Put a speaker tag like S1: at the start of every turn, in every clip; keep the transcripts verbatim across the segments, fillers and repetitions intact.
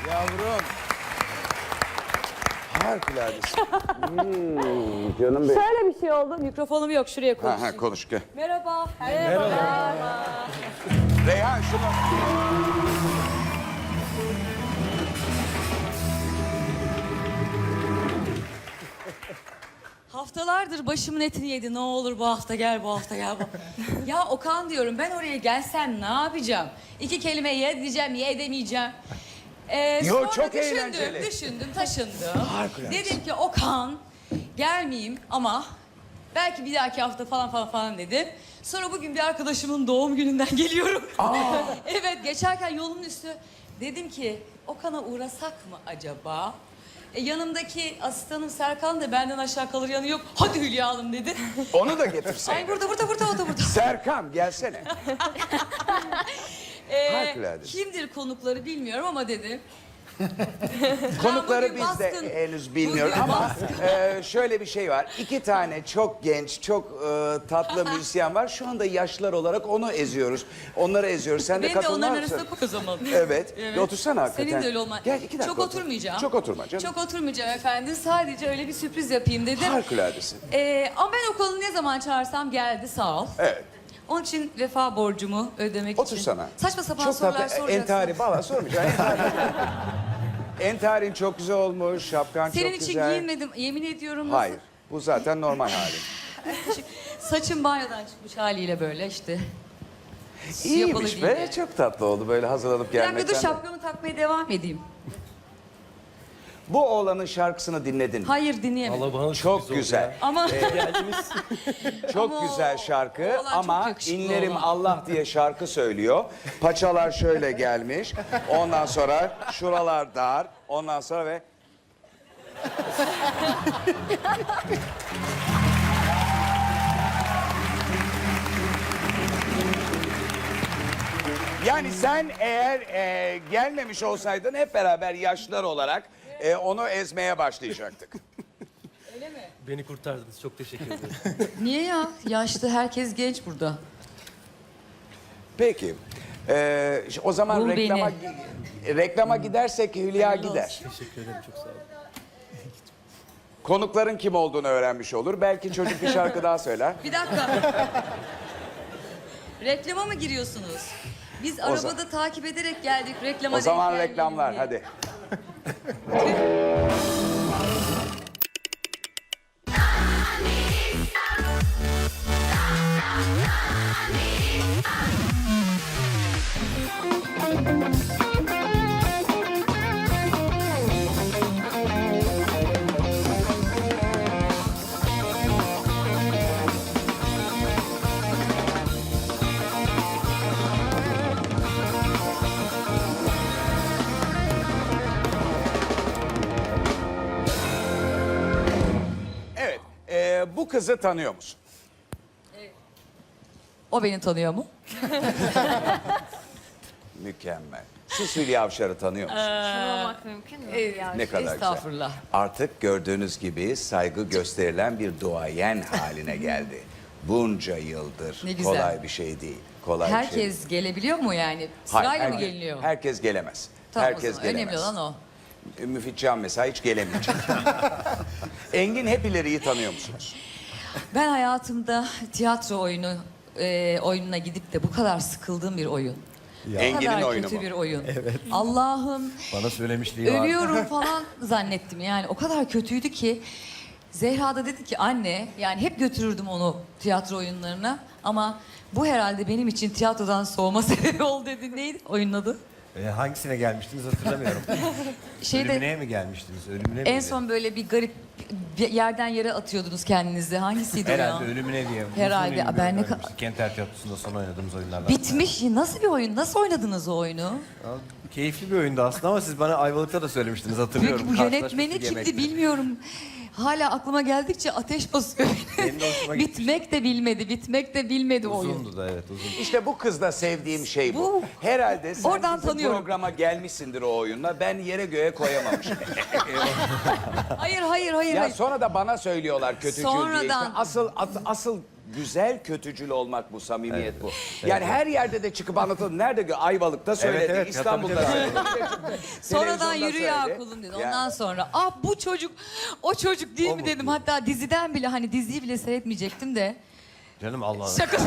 S1: Yavrum. Harikuladesin. Hmm, canım benim.
S2: Şöyle bir şey oldu. Mikrofonum yok. Şuraya
S1: Ha,
S2: konuşayım.
S1: ha, konuş gel.
S2: Merhaba. Merhaba.
S1: Reyhan şunu.
S3: Haftalardır başımın etini yedi. Ne olur bu hafta gel, bu hafta gel. Bu. Ya Okan diyorum, ben oraya gelsem ne yapacağım? İki kelime ye diyeceğim, ye edemeyeceğim. Ee,
S1: Yo,
S3: sonra
S1: çok
S3: düşündüm,
S1: eğlenceli.
S3: düşündüm, taşındım.
S1: Harikulade.
S3: Dedim ki Okan, gelmeyeyim ama belki bir dahaki hafta falan falan falan dedim. Sonra bugün bir arkadaşımın doğum gününden geliyorum. Evet, geçerken yolun üstü dedim ki Okan'a uğrasak mı acaba? E, yanımdaki asistanım Serkan da benden aşağı kalır yanı yok. Hadi Hülya Hanım dedi.
S1: Onu da getirseydin.
S3: Ay burada burada burada o da burada.
S1: Serkan gelsene.
S3: Ee,
S1: Harikulade.
S3: kimdir konukları bilmiyorum ama dedim.
S1: Konukları
S3: bugün
S1: biz de
S3: baskın.
S1: henüz bilmiyoruz
S3: Bugün
S1: ama e, şöyle bir şey var. İki tane çok genç, çok e, tatlı müzisyen var. Şu anda yaşlılar olarak onu eziyoruz. Onları eziyoruz. Sen de
S3: Beni de
S1: katılmaz
S3: onların
S1: mısın?
S3: arasında koy o zaman.
S1: Evet. Bir otursana hakikaten.
S3: Senin de öyle olman.
S1: Gel iki dakika
S3: Çok
S1: otur.
S3: oturmayacağım.
S1: Çok oturma canım.
S3: Çok oturmayacağım efendim. Sadece öyle bir sürpriz yapayım dedim.
S1: Harikuladesin.
S3: Ee, ama ben Okan'ı ne zaman çağırsam geldi sağ ol.
S1: Evet.
S3: Onun için vefa borcumu ödemek için.
S1: Otursana.
S3: Saçma sapan
S1: Çok
S3: sorular
S1: tatlı.
S3: soracaksın.
S1: Entari valla sormayacağım. Entari. Entarin çok güzel olmuş. Şapkan
S3: Senin
S1: çok
S3: için
S1: güzel.
S3: giyinmedim. Yemin ediyorum. Nasıl?
S1: Hayır. Bu zaten normal hali.
S3: Saçım banyodan çıkmış haliyle böyle işte.
S1: İyiymiş
S3: Yapalı
S1: be.
S3: değil.
S1: Çok tatlı oldu böyle hazırlanıp
S3: Bir dakika dur
S1: gelmekten. de.
S3: şapkamı takmaya devam edeyim.
S1: Bu oğlanın şarkısını dinledin mi?
S3: Hayır dinleyemedim.
S4: Allah bana
S1: Çok güzel.
S3: Ama
S1: Çok
S3: Ama
S1: güzel
S3: o-
S1: şarkı
S3: o oğlan çok
S1: ama
S3: yakışıklı
S1: inlerim
S3: olan.
S1: Allah diye şarkı söylüyor. Paçalar şöyle gelmiş. Ondan sonra şuralar dar. Ondan sonra ve yani sen eğer e, gelmemiş olsaydın hep beraber yaşlılar olarak e, onu ezmeye başlayacaktık.
S4: Beni kurtardınız. Çok teşekkür ederim.
S3: niye ya? Yaşlı herkes genç burada.
S1: Peki. Ee, o zaman
S3: Bul
S1: reklama reklama gidersek Hülya
S3: Hayırlı
S1: gider.
S3: olsun.
S4: Teşekkür ederim. Çok sağ olun.
S1: Konukların kim olduğunu öğrenmiş olur. Belki çocuk bir şarkı daha söyler.
S3: Bir dakika. Reklama mı giriyorsunuz? Biz arabada
S1: zaman-
S3: takip ederek geldik reklama.
S1: O zaman
S3: denk gelmeyelim
S1: reklamlar
S3: diye.
S1: hadi. Evet. ee, bu kızı tanıyor musun?
S3: O beni tanıyor mu?
S1: Mükemmel. Siz Hülya Avşar'ı tanıyor musunuz?
S2: Olmak mümkün mü?
S1: Ne kadar güzel.
S3: Estağfurullah.
S1: Artık gördüğünüz gibi saygı gösterilen bir duayen haline geldi. Bunca yıldır
S3: Ne güzel.
S1: kolay bir şey değil. Kolay bir şey değil.
S3: Herkes gelebiliyor mu yani?
S1: Hayır,
S3: Sırayla mı
S1: herke-
S3: geliniyor?
S1: Herkes gelemez.
S3: Tamam, o
S1: herkes
S3: zaman.
S1: gelemez.
S3: Önemli olan o.
S1: Müfit Can mesela hiç gelemeyecek. Engin Hepileri'yi tanıyor musunuz?
S3: Ben hayatımda tiyatro oyunu e, oyununa gidip de bu kadar sıkıldığım bir oyun. Bu
S1: Engin'in
S3: kadar
S1: oyunu
S3: kötü
S1: mu?
S3: bir oyun. Allah'ım
S4: Bana söylemişliği var.
S3: ölüyorum falan zannettim. Yani o kadar kötüydü ki Zehra da dedi ki anne yani hep götürürdüm onu tiyatro oyunlarına ama bu herhalde benim için tiyatrodan soğuma sebebi oldu dedi. Neydi oyunun adı?
S5: E, hangisine gelmiştiniz hatırlamıyorum.
S3: Şeyde
S5: Ölümüne mi gelmiştiniz? Ölümüne
S3: en
S5: miydi?
S3: son böyle bir garip bir yerden yere atıyordunuz kendinizi. Hangisiydi o
S5: Herhalde
S3: ya?
S5: ölümüne diye.
S3: Herhalde.
S5: Uzun yıllar
S3: Ben ne
S5: oynamıştık.
S3: kadar-
S5: Kenter Tiyatrosu'nda son oynadığımız oyunlardan.
S3: Bitmiş. Nasıl bir oyun? Nasıl oynadınız o oyunu?
S5: Ya, keyifli bir oyundu aslında ama siz bana Ayvalık'ta da söylemiştiniz hatırlıyorum.
S3: Peki bu
S5: Karşılaşmıştık
S3: yönetmeni kimdi
S5: yemekte.
S3: bilmiyorum. Hala aklıma geldikçe ateş basıyor.
S5: Benim de hoşuma gitmişti.
S3: Bitmek de bilmedi, bitmek de bilmedi o oyun.
S5: Uzundu da evet uzun.
S1: İşte bu kızda sevdiğim şey bu.
S3: Bu-
S1: Herhalde sen
S3: Oradan
S1: bizim
S3: tanıyorum.
S1: programa gelmişsindir o oyunla. Ben yere göğe koyamamışım.
S3: Hayır, hayır, hayır.
S1: ya
S3: hayır.
S1: sonra da bana söylüyorlar kötücül diye.
S3: Sonradan-
S1: İşte asıl as- asıl güzel kötücül olmak bu, samimiyet bu. Yani her yerde de çıkıp anlatalım. Nerede gö- Ayvalık'ta söyledi,
S5: Evet, evet.
S1: İstanbul'da
S5: Ya, tabii,
S1: söyledi.
S3: Sonradan
S1: Televizyonda
S3: yürü ya
S1: söyledi.
S3: kulum dedi.
S1: Ya.
S3: Ondan sonra ah bu çocuk o çocuk değil
S5: O
S3: mi
S5: mu?
S3: dedim. Hatta diziden bile hani diziyi bile seyretmeyecektim de.
S5: Canım Allah'ım.
S3: Şaka.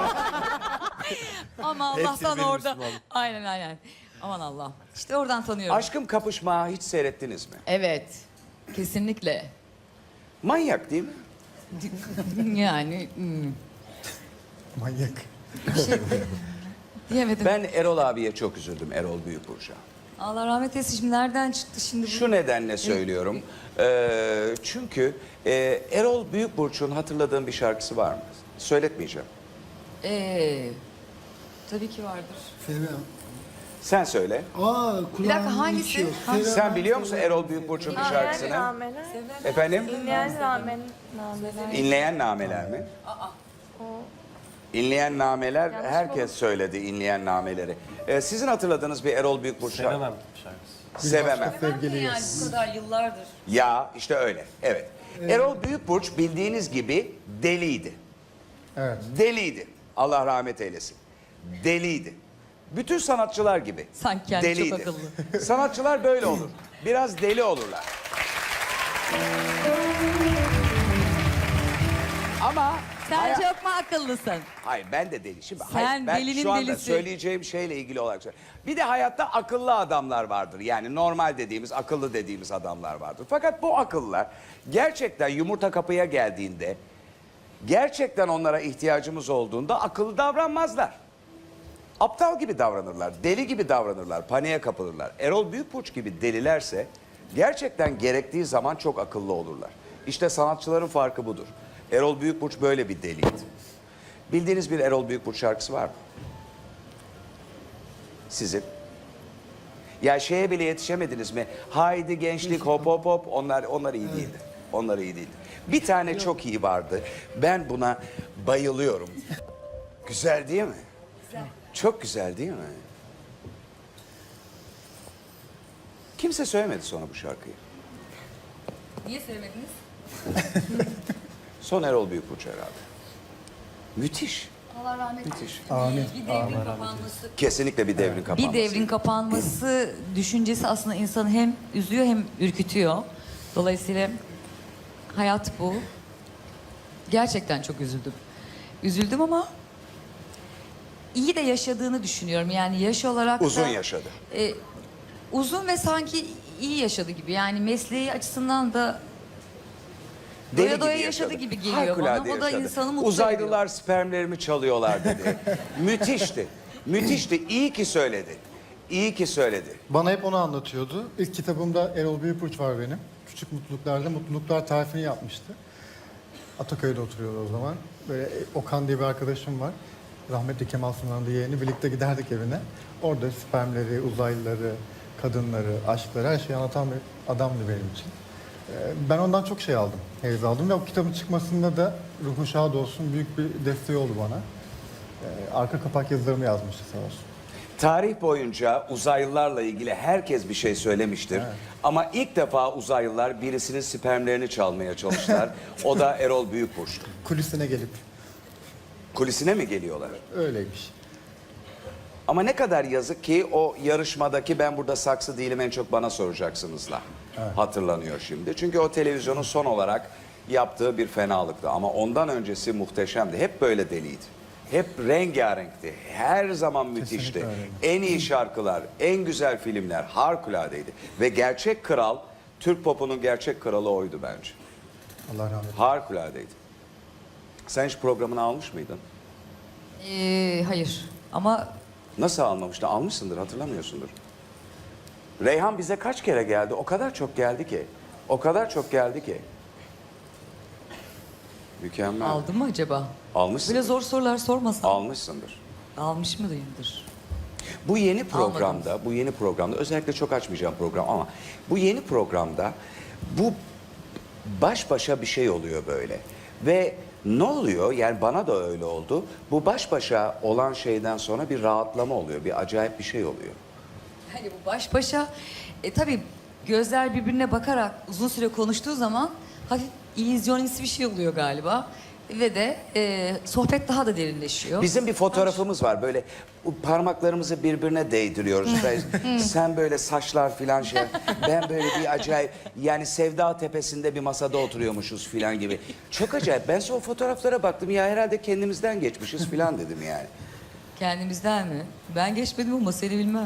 S3: Ama Allah'tan
S5: benim
S3: orada.
S5: Müslümanım.
S3: Aynen aynen. Aman Allah. İşte oradan tanıyorum.
S1: Aşkım Kapışma hiç seyrettiniz mi?
S3: Evet. Kesinlikle.
S1: Manyak değil mi?
S3: Yani hmm,
S6: Manyak.
S3: diyemedim.
S1: Ben Erol abiye çok üzüldüm, Erol Büyükburç'a.
S3: Allah rahmet eylesin. Şimdi nereden çıktı şimdi bu?
S1: Şu nedenle söylüyorum. Ee, çünkü e, Erol Büyükburç'un hatırladığın bir şarkısı var mı? Söyletmeyeceğim.
S3: Ee, tabii ki vardır.
S6: Sevmem.
S1: Sen söyle.
S6: Aa kulağım
S3: hangisi?
S6: içiyor.
S3: Hangisi?
S6: Sevmem.
S1: Sen biliyor musun Erol Büyükburç'un bir şarkısını?
S2: Nameler.
S1: Efendim?
S2: İnleyen ramen. Nameler.
S1: İnleyen nameler mi? İnleyen nameler, herkes söyledi inleyen nameleri. Ee, sizin hatırladığınız bir Erol Büyükburç şarkısı?
S4: Sevemem şarkısı.
S1: Sevemem.
S6: Sevgiliyiz.
S3: Yani bu kadar yıllardır.
S1: Ya işte öyle, evet. Erol Büyükburç bildiğiniz gibi deliydi.
S6: Evet.
S1: Deliydi. Allah rahmet eylesin. Deliydi. Bütün sanatçılar gibi.
S3: Sanki kendi çok
S1: deliydi.
S3: akıllı.
S1: Sanatçılar böyle olur. Biraz deli olurlar. Ama
S3: Sen
S1: haya-
S3: çok mu akıllısın?
S1: hayır ben de deli. Şimdi
S3: Sen
S1: hayır, ben
S3: delinin
S1: şu anda
S3: delisi.
S1: söyleyeceğim şeyle ilgili olarak söylüyorum. Bir de hayatta akıllı adamlar vardır. Yani normal dediğimiz, akıllı dediğimiz adamlar vardır. Fakat bu akıllılar gerçekten yumurta kapıya geldiğinde, gerçekten onlara ihtiyacımız olduğunda akıllı davranmazlar. Aptal gibi davranırlar, deli gibi davranırlar, paniğe kapılırlar. Erol Büyükburç gibi delilerse gerçekten gerektiği zaman çok akıllı olurlar. İşte sanatçıların farkı budur. Erol Büyükburç böyle bir deliydi. Bildiğiniz bir Erol Büyükburç şarkısı var mı? Sizin? Ya şeye bile yetişemediniz mi? Haydi gençlik hop hop hop. Onlar onlar iyi değildi. Onlar iyi değildi. Bir tane çok iyi vardı. Ben buna bayılıyorum. Güzel değil mi? Çok güzel değil mi? Kimse söylemedi sonra bu şarkıyı.
S3: Niye söylemediniz?
S1: Son Erol Büyükburç herhalde. Müthiş.
S3: Allah rahmet
S1: Müthiş.
S3: eylesin.
S6: Amin.
S3: Bir devrin kapanması.
S1: Kesinlikle bir devrin kapanması.
S3: Bir devrin kapanması düşüncesi aslında insanı hem üzüyor hem ürkütüyor. Dolayısıyla hayat bu. Gerçekten çok üzüldüm. Üzüldüm ama iyi de yaşadığını düşünüyorum. Yani yaş olarak da...
S1: Uzun yaşadı.
S3: e, uzun ve sanki iyi yaşadı gibi. Yani mesleği açısından da
S1: Deli
S3: doya doya
S1: gibi
S3: yaşadı
S1: yaşadı.
S3: gibi geliyor
S1: Harikulade
S3: bana. O da
S1: yaşadı.
S3: insanı mutlu
S1: Uzaylılar
S3: ediyor.
S1: spermlerimi çalıyorlar dedi. Müthişti. Müthişti. İyi ki söyledi. İyi ki söyledi.
S6: Bana hep onu anlatıyordu. İlk kitabımda Erol Büyükburç var benim. Küçük Mutluluklar'da Mutluluklar tarifini yapmıştı. Ataköy'de oturuyordu o zaman. Böyle Okan diye bir arkadaşım var. Rahmetli Kemal Sunal'ın da yeğeni. Birlikte giderdik evine. Orada spermleri, uzaylıları, kadınları, aşkları her şeyi anlatan bir adamdı benim için. Ee, Ben ondan çok şey aldım, heyz aldım ve o kitabın çıkmasında da ruhu şad olsun büyük bir desteği oldu bana. Ee, Arka kapak yazılarımı yazmıştı sağ olsun.
S1: Tarih boyunca uzaylılarla ilgili herkes bir şey söylemiştir. Ama ilk defa uzaylılar birisinin spermlerini çalmaya çalıştılar. O da Erol Büyükburç'tu.
S6: Kulisine gelip
S1: Kulisine mi geliyorlar?
S6: öyleymiş.
S1: Ama ne kadar yazık ki o yarışmadaki ben burada saksı değilim en çok bana soracaksınızla hatırlanıyor şimdi. Çünkü o televizyonun son olarak yaptığı bir fenalıktı. Ama ondan öncesi muhteşemdi. Hep böyle deliydi. Hep rengarenkti. Her zaman müthişti.
S6: öyle.
S1: En iyi şarkılar, en güzel filmler harikuladeydi. Ve gerçek kral, Türk popunun gerçek kralı oydu bence.
S6: Allah rahmet eylesin.
S1: Harikuladeydi. Sen hiç programını almış mıydın?
S3: Ee, hayır ama
S1: Nasıl almamıştın? Almışsındır, hatırlamıyorsundur. Reyhan bize kaç kere geldi? O kadar çok geldi ki. O kadar çok geldi ki. Mükemmel.
S3: aldım mı acaba?
S1: Almışsın.
S3: Böyle zor sorular sormasam.
S1: Almışsındır.
S3: Almış mıyımdır?
S1: Bu yeni programda, bu yeni programda özellikle çok açmayacağım program ama bu yeni programda bu baş başa bir şey oluyor böyle. Ve ne oluyor? Yani bana da öyle oldu. Bu baş başa olan şeyden sonra bir rahatlama oluyor. Bir acayip bir şey oluyor.
S3: Hani bu baş başa e, tabii gözler birbirine bakarak uzun süre konuştuğu zaman hafif illüzyonist bir şey oluyor galiba. ve de e, sohbet daha da derinleşiyor.
S1: Bizim bir fotoğrafımız var böyle bu parmaklarımızı birbirine değdiriyoruz. Ben- Sen böyle saçlar filan şey. Ben böyle bir acayip yani Sevda Tepesi'nde bir masada oturuyormuşuz filan gibi. Çok acayip. Ben sonra o fotoğraflara baktım ya herhalde kendimizden geçmişiz filan dedim yani.
S3: Kendimizden mi? Ben geçmedim ama seni bilmem.